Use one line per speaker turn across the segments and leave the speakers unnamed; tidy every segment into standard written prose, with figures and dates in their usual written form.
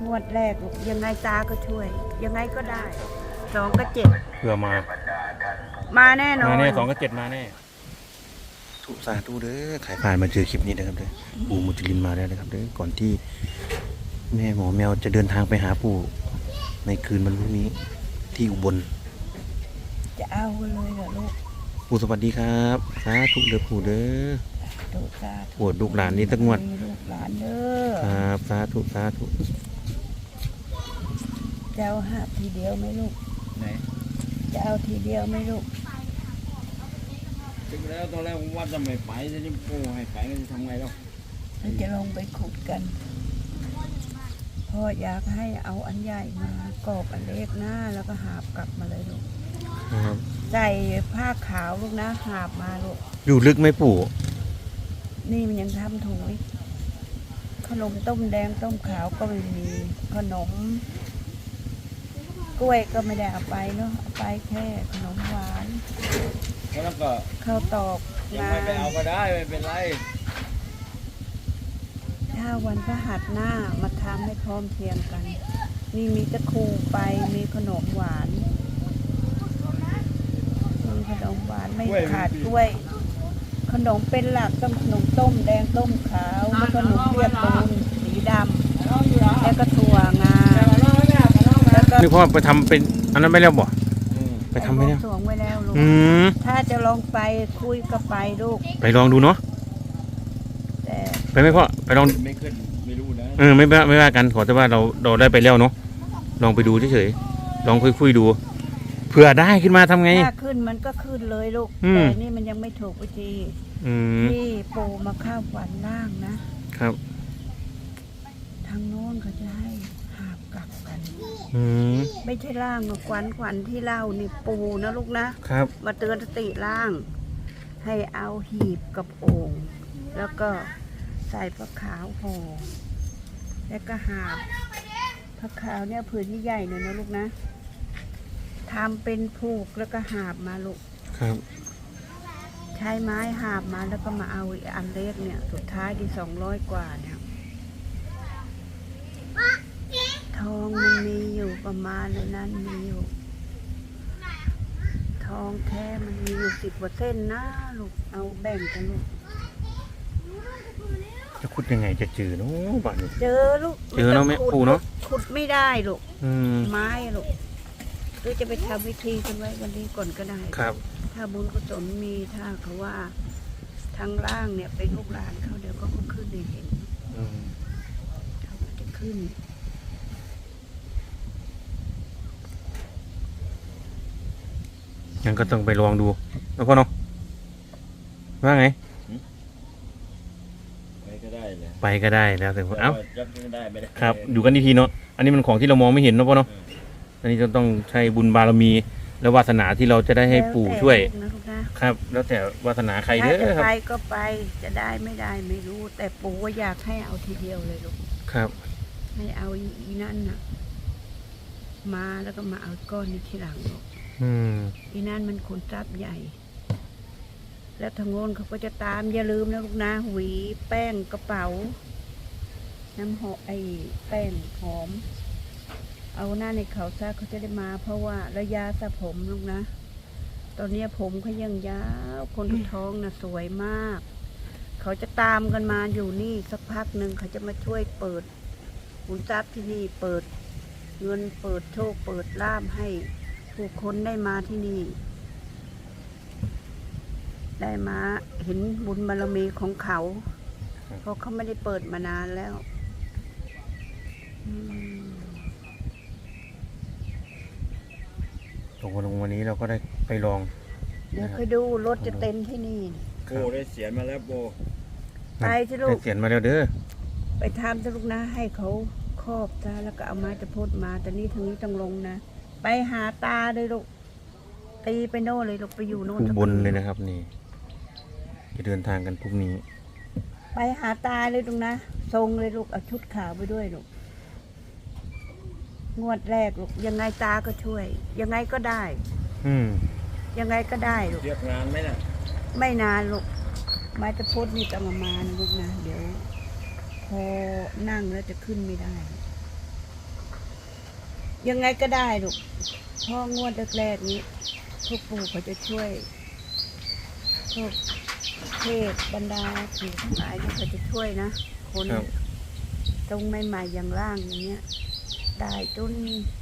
งวดแรกยังไงตาก็ช่วย ยังไงก็ได้2 กับ 7
เพื่อ
มาแน่นอน
มาแน่2 กับ 7มาแน่ทุกสาธุเด้อใครผ่านมาเจอคลิปนี้นะครับเด้อปู่มุจลินมาแล้วนะครับเด้อก่อนที่แม่หมอแมวจะเดินทางไปหาปู่ในคืนวันพรุ่งนี้ที่อุบล
จะเอาเลยเหรอลูก
ปู่สวัสดีครับสาธุเด้อปู่เด้อปวดลูกหลานนี่ตั้งงวด
ลูกหลานเด้อ
ครับสาธุสาธุ
จะเอาหาทีเดียวไหมลูกไหนจะเอาทีเดียวไหมลูก
จริงแล้วตอนแรกผมว่าจะไม่ไปจะปูให้ไปก็จะทำไงแล้ว
จะลงไปขุดกันพ่ออยากให้เอาอันใหญ่มากรอบอันเล็กหน้าแล้วก็หาบกลับมาเลยลูกใส่ผ้าขาวลูกนะหาบมาลูก
อยู่ลึกไหมปู่
นี่มันยังทำถุงขนมต้มแดงต้มขาวก็ไม่มีขนมกล้วยก็ไม่ได้เอาไปเนาะเอาไปแค่ขนมหวาน
แล้วก็
ข้าวตอก
ยังไม่ไปเอาก็ได้ไม่เป็นไร
ถ้าวันพฤหัสหน้ามาทำให้พร้อมเพียงกันนี่มีตะคูไปมีขนมหวานมีขนมหวานไม่ขาดกล้วยขนมเป็นหลักต้องขนมต้มแดงต้มขาวแล้วก็ขนมเปียกปูนสีดำแล้วก็ถั่วงาแล้วก็
นี่พ่อไปทำเป็นอันนั้นไม่แล้วบ่ไปทำไม่แล้ว
สวงไว้แล้วลูกถ้าจะลองไปคุยก็ไปลูก
ไปลองดูเนาะ
แต่
ไปไหมพ่อไปลอง
ไม่ขึ้นไม่รู้นะ
ไม่ว่ากันขอแต่ว่าเราได้ไปแล้วเนาะลองไปดูเฉยๆลองคุยดูเผื่อได้ขึ้นมาทำไง
ถ้าขึ้นมันก็ขึ้นเลยลูกแต่นี่มันยังไม่ถูกวิธีที่ปูมาข้าวฝันล่างนะครับทางโน้นเขาจะให้หาบกลับกันไม่ใช่ล่างขวัญที่เล่านี่ปูนะลูกนะครับมาเตือนสติล่างให้เอาหีบกับโอ่งแล้วก็ใส่ผ้าขาวห่อแล้วก็หาบผ้าขาวเนี่ยผืนใหญ่ๆหน่อยนะลูกนะทำเป็นผูกแล้วก็หาบมาลูก
ครับ
ใช้ไม้หาบมาแล้วก็มาเอาอันเล็กเนี่ยสุดท้ายที่200 กว่าเนี่ยทองมันมีอยู่ประมาณในนั้นมีอยู่ทองแท้มันมีอยู่10%นะลูกเอาแบ่งกันลูก
จะขุดยังไงจะเจอเนาะบ้านนี้
เจอลูก
เจอเนาะแม่ปู่เนาะ
ขุดไม่ได้ลูกไม้ลูกหรือจะไปทำวิธีกันไว้วันนี้ก่อนก็ได้
ครับ
ถ้าบุญกุศลมีถ้าเขาว่าทางล่างเนี่ยเป็นลูกหลานเขาเดี๋ยวก็ขึ้นในเห็นเขาจะขึ้น
ยังก็ต้องไปลองดูแล้วก็เนาะว่าไง
ไปก็ได้เลย
ไปก็ได้แล้วแต่เอ้า
ได้ไม่ได้
ครับอยู่กันทีเนาะอันนี้มันของที่เรามองไม่เห็นเนาะพ่อเนาะอันนี้ต้องใช้บุญบารมีและวาสนาที่เราจะได้ให้ปู่ช่วยครับแล้วแต่วาสนาใครเด้อครับ
ไปก็ไปจะได้ไม่ได้ไม่รู้แต่ปู่ว่าอยากให้เอาทีเดียวเลยลูก
ครับ
ให้เอาอีนั่นน่ะมาแล้วก็มาเอาก้อนนี้ทีหลังลูกอีนั่นมันขนทรัพย์ใหญ่แล้วทางโน้นเขาก็จะตามอย่าลืมนะลูกนะหวีแป้งกระเป๋าน้ำหอมแป้งหอมเอาหน้าในเขาซะเขาจะได้มาเพราะว่าระยะสระผมลูกนะตอนนี้ผมเขายังยาวคนท้องนะสวยมากเขาจะตามกันมาอยู่นี่สักพักหนึ่งเขาจะมาช่วยเปิดขุนทรัพย์ที่นี่เปิดเงินเปิดโชคเปิดลาภให้ผู้คนได้มาที่นี่ได้มาเห็นบุญบารมีของเขาเพราะเขาไม่ได้เปิดมานานแล้ว
ตกลงวันนี้เราก็ได้ไปลอง
เดี๋ยวค่อยดูรถจะเต็มที่นี่
โบได้เสียมาแล้วโบ
ไปสิลูก
เสียมาแล้วเด้อ
ไปทำสิลูกนะให้เขาครอบซะแล้วก็เอาไม้ตะพดมาแต่นี่ทางนี้ต้องลงนะไปหาตาเลยลูกตีไปโน่เลยลูกไปอยู่โน่น
บนเลยนะครับนี่จะเดินทางกันพรุ่งนี้
ไปหาตาเลยลูกนะทรงเลยลูกเอาชุดขาวไปด้วยลูกงวดแรกลูกยังไงตาก็ช่วยยังไงก็ได้ยังไงก็ได้ลูก
เรียกงานไหมน่ะ
ไม่นานลูกไม้ตะพดนี่ต้องมานะลูกนะเดี๋ยวพอนั่งแล้วจะขึ้นไม่ได้ยังไงก็ได้ลูกพ่องวดแรกๆนี้ทุกปู่เขาจะช่วยพวกเทพบรรดาผีทั้งหลายเขาจะช่วยนะคน
ครับ
ตรงใหม่ๆอย่างร่างอย่างเงี้ย ได้จน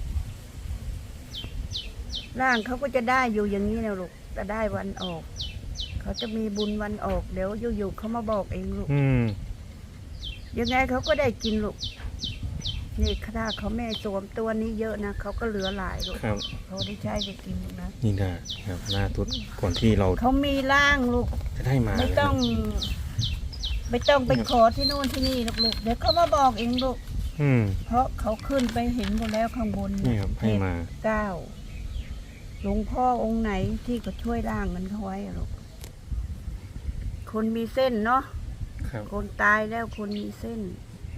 ร่างเขาก็จะได้อยู่อย่างนี้นะลูกจะได้วันออก เขาจะมีบุญวันออกเดี๋ยวอยู่ๆเขามาบอกเองลูก
อืม
ยังไงเขาก็ได้กินลูกนี่ถ้าเขาแม่สวมตัวนี้เยอะนะเขาก็เหลือหลายลูก
ครับ
เขาได้ใช้ได้กินลูกนะ
นี่นะครับหน้าตุ๊ดก่อนที่เรา
เขามีร่างลูก
จะได้มา
ไม่ต้อง ไม่ต้องไปขอที่โน่นที่นี่ลูกเดี๋ยวเขามาบอกเองลูก
อืม
เพราะเขาขึ้นไปเห็นหมดแล้วข้างบน
นี่ครับให้มา
เก้าหลวงพ่อองค์ไหนที่ก็ช่วยร่างมันเขาไว้อะลูกคนมีเส้นเนาะ
ครับ
คนตายแล้วคนมีเส้น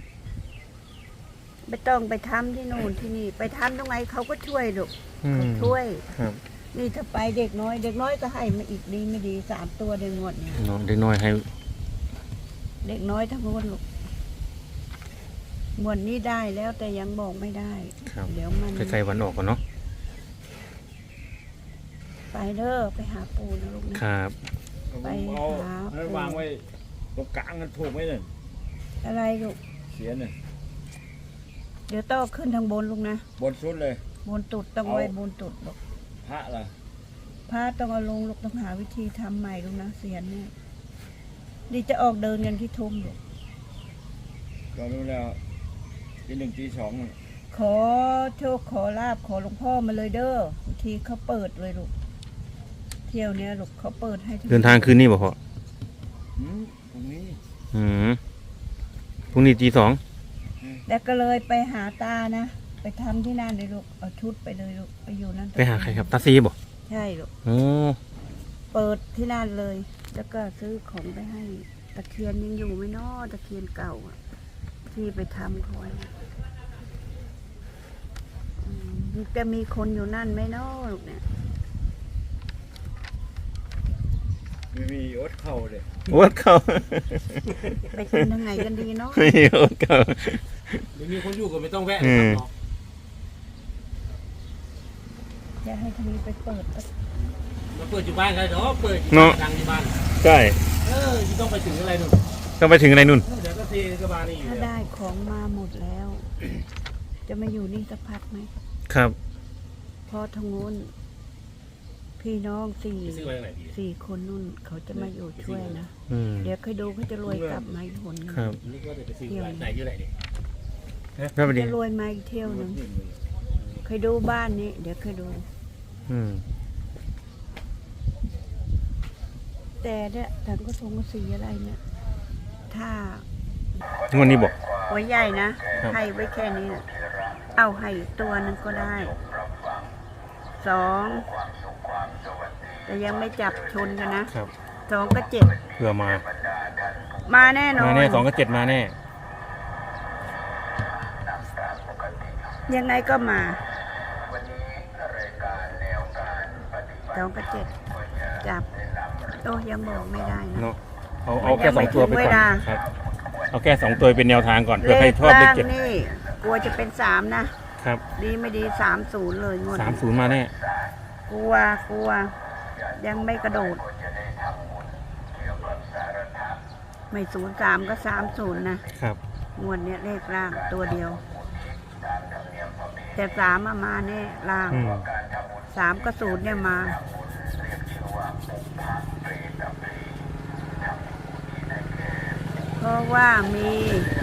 ไม่ต้องไปทำที่โน่นที่นี่ ไปทำตรงไหนเขาก็ช่วยลูก
อืม
เขาช่วย
ครับ
นี่ถ้าไปเด็กน้อย เด็กน้อยก็ให้มาอีกดีไม่ดี3 ตัวเดือนงวดเนี่ย
น้องเด็กน้อยให้
เด็กน้อยทั้งหมดลูกงวดนี้ได้แล้วแต่ยังบอกไม่ได้
ครับ
เดี๋ยวมัน
ใกล้ๆวันออกก่อนเนาะ
ไปเด้อไปหาปูนะลูกนะครับ ไป
เอา
หา
ให้วางไว้ตรงกลางกันถูกไหมเนี่ย
อะไรลูก
เสียเนี่ย
เดี๋ยวต้องขึ้นทางบนลูกนะ
บนสุดเลย
บนตุดต้องไว้บนตุดลูก
พระล่ะ
พระต้องเอาลงลูกต้องหาวิธีทำใหม่ลูกนะเสียนเนี่ยนี่จะออกเดินกันที่ทุ่มลูก
ก็รู้แล้วตี 1 ตี 2น่ะ
ขอโชคขอลาบขอหลวงพ่อมาเลยเด้อบางทีเขาเปิดเลยลูกเที่ยวเนี้ยลูกเขาเปิดให้ทุก
เดินทางคืนนี้บ่พ่อ
ตรงนี้
อืมพรุ่งนี้ตี 2
แล้วก็เลยไปหาตานะไปทำที่นั่นเลยลูกเอาชุดไปเลยลูกไปอยู่นั่น
ไปหาใครครับตาซีบ่
ใช่ลูก
โอ้
เปิดที่นั่นเลย แล้วก็ซื้อของไปให้ตะเคียนยังอยู่ไหมน้อตะเคียนเก่าอะที่ไปทำเขาไว้นะจะมีคนอยู่นั่นไหมน้อลูกเนี่ย
มีอดเข่าเลย
โอ๊ตเขา
ไปกินทางไหนกันดีเนาะ
ไม่โอ๊ตเขา
ไม่มีคนอยู่ก็ไม่ต้องแวะ
อืม
จะให้ทีนี้ไปเปิด
มาเปิดอยู่บ้านกันเนาะเปิดอยู่ดังที่บ้าน
ใช่
ที่ต้องไปถึงอะไรนู่น
ต้องไปถึงอะไรนู่น
เดี๋ยวก็เทกระบานี่อยู่
ถ้า
แล้ว
ได้ของมาหมดแล้ว จะมาอยู่นี่สักพักไหม
ครับ
พอทางโน้นพี่น้อง
ไปซื้อไว้ไหนดี
สี่คนนู่นเขาจะมาอยู่ช่วยนะ
อืม
เดี๋ยวเคยดูเขาจะรวยกลับมาอีกหนหนึ่ง
ครับ
นี่ก็จะไปซื้อไหนอยู่ไหนดิ
ครับสวัสดี
จะรวยมาอีกเที่ยวหนึ่งเคยดูบ้านนี้ เดี๋ยวเคยดู
อืม
แต่เนี่ยถังก็ทงก็สีอะไรเนี่ย ถ้าง
วดนี้บอก
หัวใหญ่นะ
ครับ
ให้ไว้แค่นี้นะเอาให้อีกตัวหนึงก็ได้2แต่ยังไม่จับชนกันนะครับ 2 กับ
เผื่อมา
7มาแน่นอน
มาแน่2 กับ 7มาแน่
ยังไงก็มา2 กับ 7จับโอ้ยังบอกไม่ได้นะ
เนาะเอาแค่
ยังไม่
2 ตัวไป
ถึงเว
ก่อน
ลา
ครับ เอาแค่2 ตัวเป็นแนวทางก่อนเผื่อใคร
เลข
ชอบเลข
ล่าง
7
นี่กลัวจะเป็น3นะครับ ดีไม่ดี30เลยงวดนี้
30มาแน่
กลัวยังไม่กระโดด ไม่03ก็30นะครับ งวดเนี้ยเลขล่างตัวเดียว แต่3มาแน่ล่าง
อืม
3กับ0เนี่ยมา เพราะว่ามี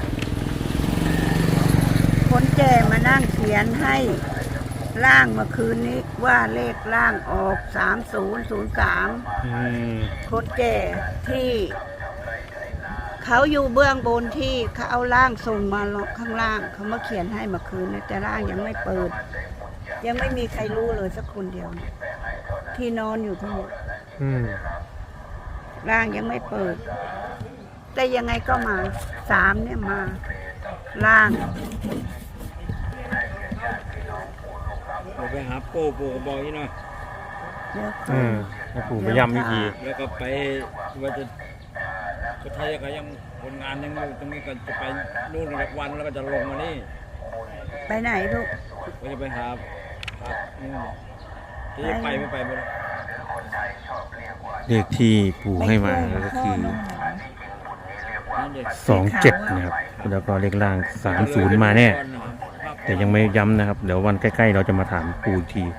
คนแก่มานั่งเขียนให้ล่างเมื่อคืนนี้ว่าเลขล่างออก3003
อืม
คนแก่ที่เขาอยู่เบื้องบนที่เขาเอาร่างส่งมาข้างล่างเขามาเขียนให้เมื่อคืนนี้แต่ร่างยังไม่เปิด ยังไม่มีใครรู้เลยสักคนเดียว ที่นอนอยู่ทั้งหมด
อืม
ร่างยังไม่เปิด แต่ยังไงก็มา3เนี่ยมาล่าง
เราไปหาโป้ก็บอกนี่เนาะ
เดี๋ยวค่อ
อื
ย
มให้ปู่ไปย้ำอีกที
แล้วก็ไปว่าจะก็ไทยก็ยังคนงานยังอยู่ตรงนี้ก็จะไปนู่นอีกวันแล้วก็จะลงมานี่
ไปไหนลูก
ไปก็จะไปหาครับนี่จะไปไม่ไปบ่ได้
เลขที่ปู่ให้มาก็คือ
นั่นเด็ก
27นะครับแล้วก็เลขล่าง30มาแน่ แต่ยังไม่ย้ำนะครับ เดี๋ยววันใกล้ๆเราจะมาถามปู่อีกที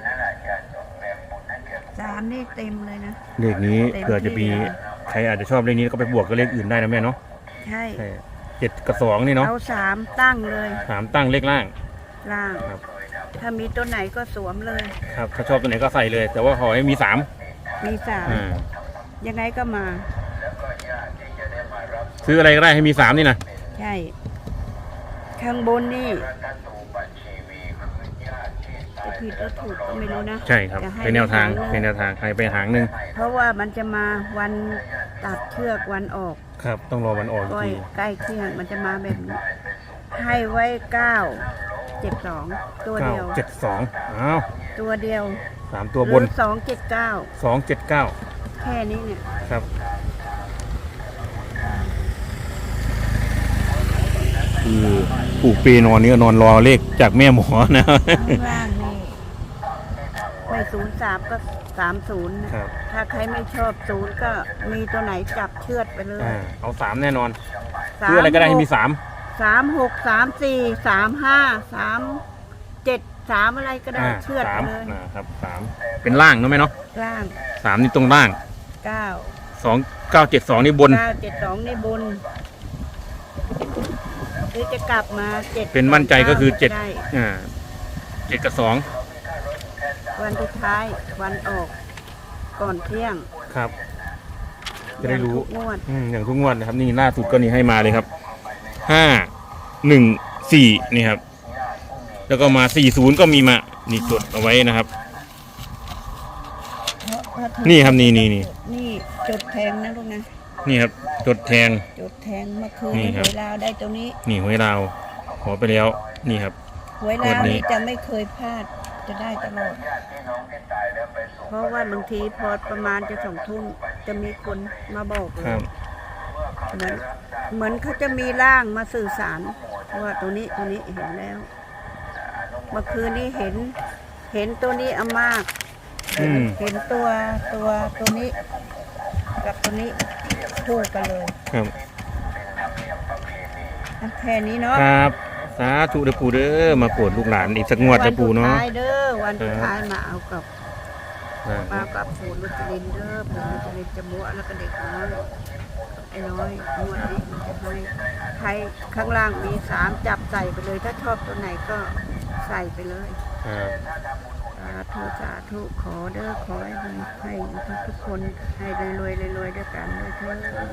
3นี่เต็มเลยนะ
เลขนี้
เต็ม
เผื่อจะมี
ที่เลย
ใครอาจจะชอบเลขนี้ก็ไปบวกกับเลขอื่นได้นะแม่เนาะ
ใช่
ใช่7กับ2นี่เนาะ
เอา3ตั้งเลย
3ตั้งเลขล่าง
ล่าง
ครับ
ถ้ามีตัวไหนก็สวมเลย
ครับถ้าชอบตัวไหนก็ใส่เลย แต่ว่าขอให้มี3
มีสาม
อ่า
ยังไงก็มา
ซื้ออะไรก็ได้ให้มี3นี่นะ
ใช่ ข้างบนนี่จะผิดหรือถูกก็ไม่รู้นะ
ใช่ครับ
จะให้
เป็นแนวทาง
ห
เป็นแนวทางใครไปหางหนึ่ง
เพราะว่ามันจะมาวันตัดเชือกวันออก
ครับ ต้องรอวันออกอีก
ก้อย
ที
ใกล้เที่ยงมันจะมาแบบนี้ ให้ไว้9 7 2ตัวเดียว
972อ้าว
ตัวเดียว
3ตัวบน
หรือ279
279
แค่นี้เนี่ย
ครับคือปู่ปีนอนนี่ก็นอนรอเลขจากแม่หมอนะ
ข้างล่างนี่ไม่03ก็30นะครับ ถ้าใครไม่ชอบ0ก็มีตัวไหนจับเชือดไปเลย
เอา3แน่นอนซื้ออะไรก็ได้ให้มี3
36 34 35 37 3อะไรก็ได้เชือดไปเลย
ครับ3เป็นล่างเนอะไหมเนาะ
ล่าง
3นี่ตรงล่าง
9
2972นี่บน
972ในบนหรือจะกลับมา7
เป็นมั่นใจก็คือ
ได้
7กับ2
วันสุดท้ายวันออกก่อนเที่ยง
ครับ จะได้รู้
อย่างทุกงวด
อย่างทุกงวดนะครับ นี่ล่าสุดก็นี่ให้มาเลยครับ514นี่ครับ แล้วก็มา40ก็มีมานี่จดเอาไว้นะครับ นี่ครับนี่
นี่จดแทงนะลูกนะ
นี่ครับจดแทง
จดแทงเมื่อคืน
นี่ครับ
หวยลาวได้ตรงนี้
นี่หวยลาวขอไปแล้วนี่ครับ
หวยลาว
งวดนี้
นี่จะไม่เคยพลาดจะได้ตลอด เพราะว่าบางทีพอประมาณจะ2 ทุ่มจะมีคนมาบอกเล
ครั
ย
บ
เหมือนเขาจะมีร่างมาสื่อสารว่าตัวนี้เห็นแล้ว เมื่อคืนนี้เห็นตัวนี้เอามาก เห็นตัวนี้กับตัวนี้คู่กันเลย
ครับ
แค่นี้เนาะ
ครับสาธุเด้อปู่เด้อมาโปรดลูกหลานอีกสักงวดเด้อปู่เนาะ
วันสุดท้ายเด้อวันสุดท้ายมาเอากับ
อ่า
มากับปู่ลุจลินเด้อปู่ลุจลินจะบัวแล้วก็เด็กน้อยไอ้น้อยงวดนี้มันจะให้ใครข้างล่างมี3จับใส่ไปเลย ถ้าชอบตัวไหนก็ใส่ไปเลย
ครับ
สาธุขอเด้อขอให้ทุกคนให้รวยด้วยกันด้วยเถิด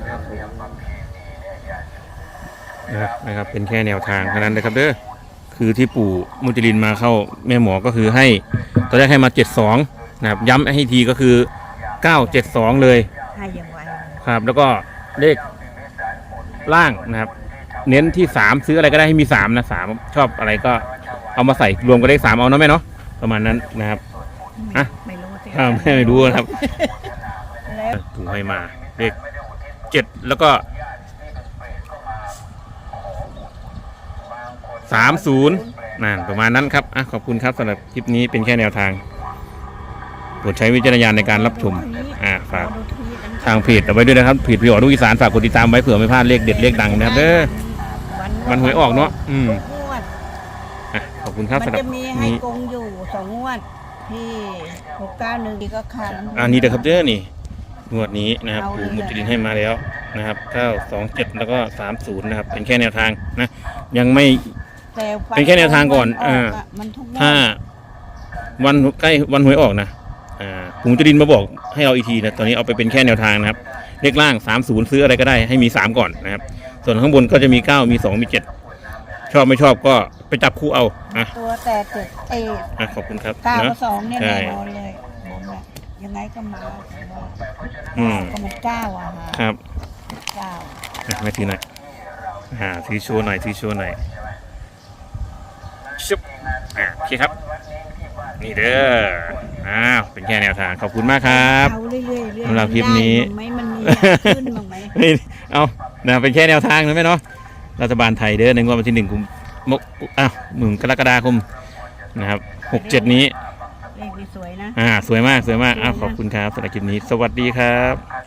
นะครับเป็นแค่แนวทางเท่านั้นนะครับเด้อคือที่ปู่มุจลินมาเข้าแม่หมอก็คือให้ตอนแรกให้มา72นะครับย้ำให้ทีก็คือ972เลย
ให้อย่างไว
ครับ แล้วก็เลขล่างนะครับ เน้นที่3ซื้ออะไรก็ได้ให้มี3นะ3ชอบอะไรก็เอามาใส่รวมกับเลข3เอาเนาะแม่เนาะประมาณนั้นนะครับ อ่ะ
ไม่รู้สิ
ไม่รู้นะครับ
แล้ว
ปู่ให้มาเลข7แล้วก็30นั่นประมาณนั้นครับขอบคุณครับสำหรับคลิปนี้เป็นแค่แนวทางโปรดใช้วิจารณญาณในการรับชมฝากทางเพจเอาไว้ด้วยนะครับเพจพี่อ๋อลูกอีสานฝากกดติดตามไว้เผื่อไม่พลาดเลขเด็ดเลขดังนะครับเด้อวันหวยออกเนาะ
งวด
ขอบคุณครับ
มัน
สำหรับ
จะมีให้
นี้
กงอยู่2 งวดที่691ก็ขาด
อันนี้เด้อครับเด้อนี่งวดนี้นะครับ
เอาเลย
ปู่มุจลินให้มาแล้วนะครับ927แล้วก็30นะครับเป็นแค่แนวทางนะยังไม่
แต่
เป็นแค่แนวทางก่อน
มันทุกงวด
ถ้าวันใกล้วันหวยออกนะปู่มุจลินมาบอกให้เราอีกทีนะตอนนี้เอาไปเป็นแค่แนวทางนะครับเลขล่าง30ซื้ออะไรก็ได้ให้มี3ก่อนนะครับส่วนข้างบนก็จะมี9มี2มี7ชอบไม่ชอบก็ไปจับคู่เอา
ตัวแต่ตึก
ขอบคุณครับ
9
นะ
กับ 2เนี่ย
ใช่
แน่นอนเลยผมเนี่ยยังไงก็มาก็มัน9ฮะ
ครับ
9
ไม่ถือหน่อยถือโชว์หน่อยถือโชว์หน่อยชุบโอเคครับนี่เด้อเป็นแค่แนวทางขอบคุณมากครับ
เอาเรื่อยๆ
สำหรับคลิปนี้
ได้มั้งไหมมันมีขึ้นบ้างไหม
นี่เอาเป็นแค่แนวทางนะแม่เนาะรัฐบาลไทยเด้อในงวดวันที่1 กุมภาพันธ์กรกฎาคมนะครับ67นี้
เลขนี่สวยนะ
สวยมากสวยมากอ้าวขอบคุณครับสำหรับคลิปนี้สวัสดีครับ